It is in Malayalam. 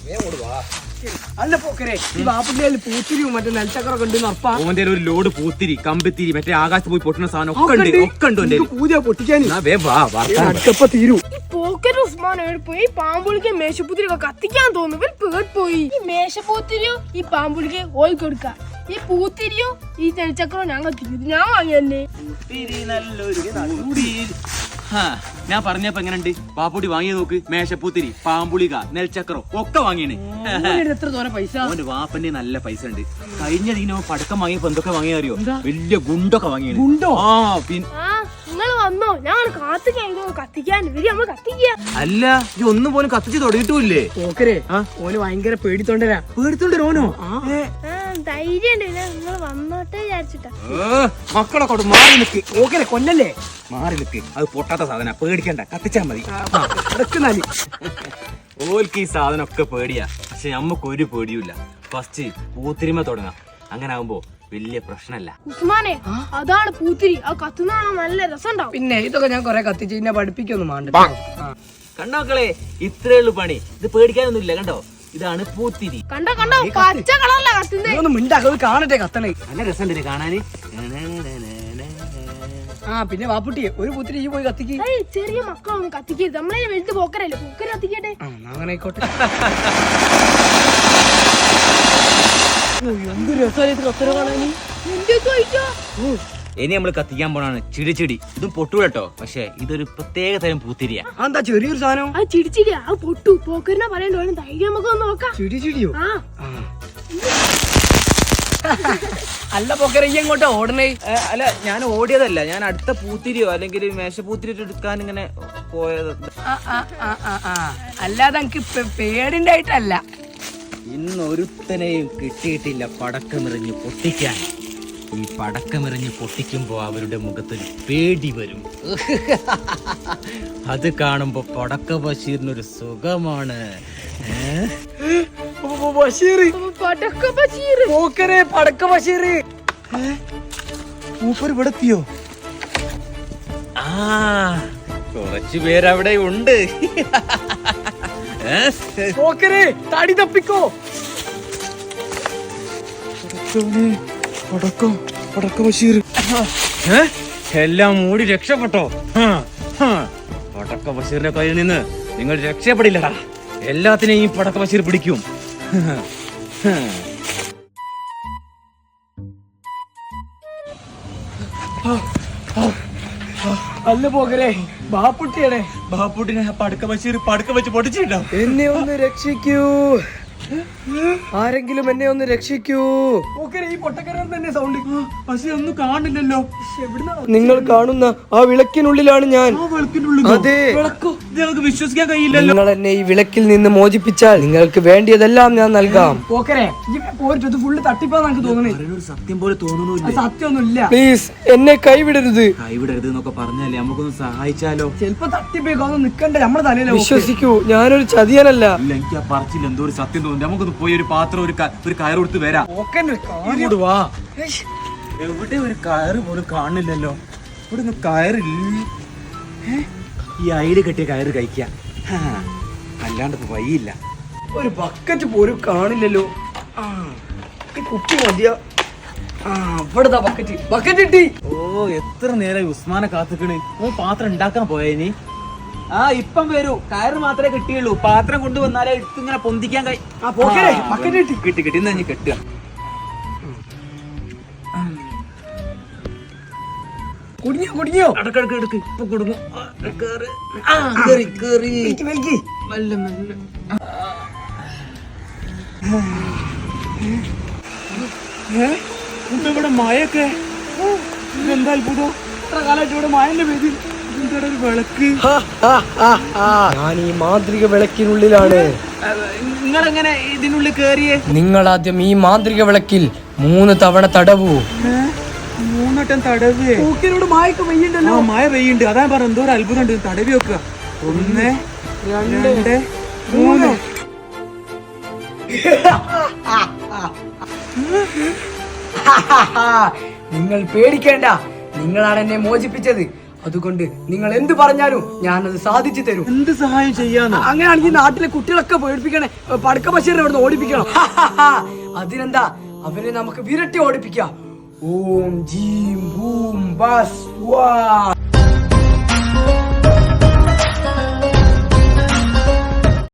അല്ല പോക്കരെ ഈ ബാപ്പുട്ടിയിൽ പൂത്തിരിയും മറ്റേ നെൽച്ചക്കറൊക്കെ ഉണ്ട് ഉറപ്പാ. ഓന്റെ ഒരു ലോഡ് പൂത്തിരി കമ്പിത്തിരി മറ്റേ ആകാശത്ത് പോയി പൊട്ടുന്ന സാധനം ഒക്കെ ഉണ്ട്. പൂജ പൊട്ടിക്കാൻ തീരൂ. ഈ പോക്കറ്റ് ഉസ്മാൻ പോയി പാമ്പുളിക്ക് മേശപ്പൂത്തിരിയൊക്കെ കത്തിക്കാൻ തോന്നുന്നു. പോയി ഈ മേശപ്പൂത്തിരിയോ ഈ പാമ്പുളിക്ക് ഓയിൽ കൊടുക്ക. ഈ പൂത്തിരിയോ ഈ നെൽച്ചക്കറോ ഞാൻ കത്തിക്കും. ഞാൻ വാങ്ങിയല്ലേ. ഞാൻ പറഞ്ഞപ്പോ എങ്ങനെയുണ്ട്? പാപ്പുട്ടി വാങ്ങിയ നോക്ക്. മേശപ്പൂത്തിരി, പാമ്പുളിക, നെൽച്ചക്കറോ ഒക്കെ വാങ്ങിയാണ്. എത്ര തോനെ പൈസ? അവന്റെ വാപ്പന്റെ നല്ല പൈസ ഉണ്ട്. കഴിഞ്ഞ ദിനം പടക്കം വാങ്ങിയപ്പോ എന്തൊക്കെ വാങ്ങിയ അറിയോ? വലിയ ഗുണ്ടൊക്കെ വാങ്ങിയാണ്. ഗുണ്ടോ? നിങ്ങൾ വന്നോ? ഞാൻ കത്തിക്കാൻ നമ്മൾ കത്തിക്കുക. അല്ല ഇത് ഒന്നും പോലും കത്തിച്ച് തുടങ്ങിയിട്ടില്ലേ? പോക്കരെ ഓന് ഭയങ്കര പേടിത്തോണ്ടരാ. പേടിത്തോണ്ടരോനോ? ധൈര്യം നിങ്ങൾ വന്നോട്ടെ വിചാരിച്ചിട്ടാ. മക്കളെ കൊണ്ട് മാറി നിക്ക്. പോക്കരെ കൊല്ലല്ലേ? മാറി നിക്ക്. അത് പൊട്ടാത്ത സാധന, പേടിക്കണ്ട, കത്തിച്ചാ മതി. ഓൽക്ക് ഈ സാധനം ഒക്കെ പേടിയാ. പക്ഷെ നമ്മക്കൊരു പേടിയുമില്ല. ഫസ്റ്റ് പൂത്തിരിമ തുടങ്ങാം. അങ്ങനെ ആകുമ്പോ വലിയ പ്രശ്നല്ല. ഉസ്മാനെ അതാണ് പൂത്തിരി. ആ കത്തുന്ന നല്ല രസമുണ്ടാവും. പിന്നെ ഇതൊക്കെ ഞാൻ കൊറേ കത്തിച്ച് ഇന്നെ പഠിപ്പിക്കൊന്നും വേണ്ട. കണ്ടോ മക്കളെ, ഇത്രേ ഉള്ളു പണി. ഇത് പേടിക്കാനൊന്നും ഇല്ല. കണ്ടോ, ഇതാണ് പൂത്തിരി. കണ്ടോ പച്ച കളറല്ല കത്തുന്നത്. മിണ്ടാക്കത് കാണട്ടെ കത്തണേ. നല്ല രസമുണ്ട് കാണാന്. പിന്നെ വാപ്പുട്ടിയെ ഒരു പൂത്തിരി പോയി കത്തിക്ക്. ചെറിയ മക്കളൊന്നും കത്തിക്കരുത്. നമ്മളെ വലുത് പോക്കരല്ലേ, പോക്കര കത്തിക്കട്ടെ. അങ്ങനെ ആയിക്കോട്ടെ. എന്ത് രസമായിട്ട് കത്തര കാണാന്. ഇനി നമ്മള് കത്തിക്കാൻ പോണാണ് ചിടിച്ചിടി. ഇതും പൊട്ടൂട്ടോ, പക്ഷെ ഇതൊരു പ്രത്യേക തരം പൂത്തിരിയാ. എന്താ ചെറിയൊരു സാധനം? അത് ചിടിച്ചിടിയാ. അത് പൊട്ടു. പോക്കറിനെ പറയണ്ടോ? ധൈര്യം നമുക്ക് ഒന്ന് നോക്കാം. ചിടിച്ചിടിയോ? അല്ല പോക്കര ഈ എങ്ങോട്ടാ ഓടണേ? അല്ല, ഞാൻ ഓടിയതല്ല. ഞാൻ അടുത്ത പൂത്തിരിയോ അല്ലെങ്കിൽ മേശപ്പൂത്തിരി എടുക്കാൻ ഇങ്ങനെ പോയത്. അല്ലാതെ എനിക്ക് പേടിന്റെ ആയിട്ടല്ല. ഇന്നൊരുത്തനെയും കിട്ടിയിട്ടില്ല പടക്കമെറിഞ്ഞ് പൊട്ടിക്കാൻ. ഈ പടക്കമെറിഞ്ഞ് പൊട്ടിക്കുമ്പോ അവരുടെ മുഖത്തൊരു പേടി വരും. അത് കാണുമ്പോ പടക്ക ബഷീറിനൊരു സുഖമാണ്. മൂപ്പർ ഇവിടെത്തിയോ? കുറച്ചു പേരവിടെ ഉണ്ട്. താടി തപ്പിക്കോ. പടക്ക ബഷീർ എല്ലാം മൂടി രക്ഷപ്പെട്ടോ? പടക്ക ബഷീറിന്റെ കയ്യിൽ നിന്ന് നിങ്ങൾ രക്ഷപ്പെടില്ലടാ. എല്ലാത്തിനെയും പടക്ക ബഷീർ പിടിക്കും. അല്ല പോകരെ ബാപ്പുട്ടിയാണേ. ബാപ്പുട്ടിനെ പടക്ക ബഷീർ പടക്ക വെച്ച് പൊട്ടിച്ചിട്ടുണ്ടോ? എന്നെ ഒന്ന് രക്ഷിക്കൂ, ആരെങ്കിലും എന്നെ ഒന്ന് രക്ഷിക്കൂ. ഈ പൊട്ടക്കരം തന്നെ സൗണ്ട്. പക്ഷെ ഒന്നും കാണില്ലല്ലോ. നിങ്ങൾ കാണുന്ന ആ വിളക്കിനുള്ളിലാണ് ഞാൻ. അതെ, ഞങ്ങൾക്ക് വിശ്വസിക്കാൻ കഴിയില്ലല്ലോ. നിങ്ങൾ എന്നെ ഈ വിളക്കിൽ നിന്ന് മോചിപ്പിച്ചാൽ നിങ്ങൾക്ക് വേണ്ടിയതെല്ലാം ഞാൻ നൽകാം. സത്യം പോലെ തോന്നുന്നു. സത്യമൊന്നുമില്ല. പ്ലീസ് എന്നെ കൈവിടരുത്. കൈവിടരുത് എന്നൊക്കെ പറഞ്ഞാലേ നമുക്കൊന്ന് സഹായിച്ചാലോ? ചിലപ്പോ തട്ടിപ്പോയിക്കൊന്നും നിക്കണ്ടേ നമ്മുടെ തലയിൽ. വിശ്വസിക്കൂ, ഞാനൊരു ചതിയനല്ല. എനിക്ക് ആ പറച്ചിൽ എന്തോ ഒരു സത്യം തോന്നുന്നു. നമുക്കൊന്ന് പോയി ഒരു പാത്രം ഒരു കയർ കൊടുത്ത് വരാം. വാ. എവിടെ ഒരു കയറ് പോലും കാണില്ലല്ലോ. ഇവിടെ ഒന്നും കയറില്ല. ഈ അയില് കെട്ടിയ കയറ് കഴിക്കാം. അല്ലാണ്ട് വഴിയില്ല. ഒരു ബക്കറ്റ് പോലും കാണില്ലല്ലോ. കുപ്പി മതിയോ? ഇവിടുത്തെ ബക്കറ്റ് കിട്ടി. ഓ, എത്ര നേരം ഉസ്മാനെ കാത്തിക്കണ്. ഓ പാത്രം ഉണ്ടാക്കാൻ പോയനി. ഇപ്പം വരൂ. കയറ് മാത്രമേ കിട്ടിയുള്ളൂ. പാത്രം കൊണ്ടുവന്നാലേ എടുത്തിങ്ങനെ പൊന്തിക്കാൻ കിട്ടി. എന്നാ ഞാൻ കെട്ടുക. കുടുങ്ങിയോ? എടുക്ക്. ഇപ്പൊ കൊടുങ്ങും. ഇവിടെ മഴയൊക്കെ എന്താ അത്ഭുതം. ഇത്ര കാലമായിട്ട് ഇവിടെ മഴന്റെ പേര്. വിളക്ക്. ഞാൻ ഈ മാന്ത്രിക വിളക്കിനുള്ളിലാണ്. നിങ്ങളെങ്ങനെ ഇതിനുള്ളിൽ കേറിയേ? നിങ്ങൾ ആദ്യം ഈ മാന്ത്രിക വിളക്കിൽ 3 തവണ തടവൂ. 3 വട്ടം തടവ്. മഴ പെയ്യുണ്ട്. അതാ പറഞ്ഞ എന്തോ ഒരു അത്ഭുതം ഉണ്ട്. തടവി വെക്കുക. 1 2 3. നിങ്ങൾ പേടിക്കേണ്ട. നിങ്ങളാണ് എന്നെ മോചിപ്പിച്ചത്. അതുകൊണ്ട് നിങ്ങൾ എന്ത് പറഞ്ഞാലും ഞാനത് സാധിച്ചു തരും. എന്ത് സഹായം ചെയ്യാന്ന്? അങ്ങനെയാണെങ്കിൽ നാട്ടിലെ കുട്ടികളൊക്കെ പേടിപ്പിക്കണേ, പടക്ക ബഷീറിനെ ഇവിടുന്ന് ഓടിപ്പിക്കണം. അതിനെന്താ, അവരെ നമുക്ക് വിരട്ടി ഓടിപ്പിക്കാം. ഓം ജീം ബൂം ബസ് വാ.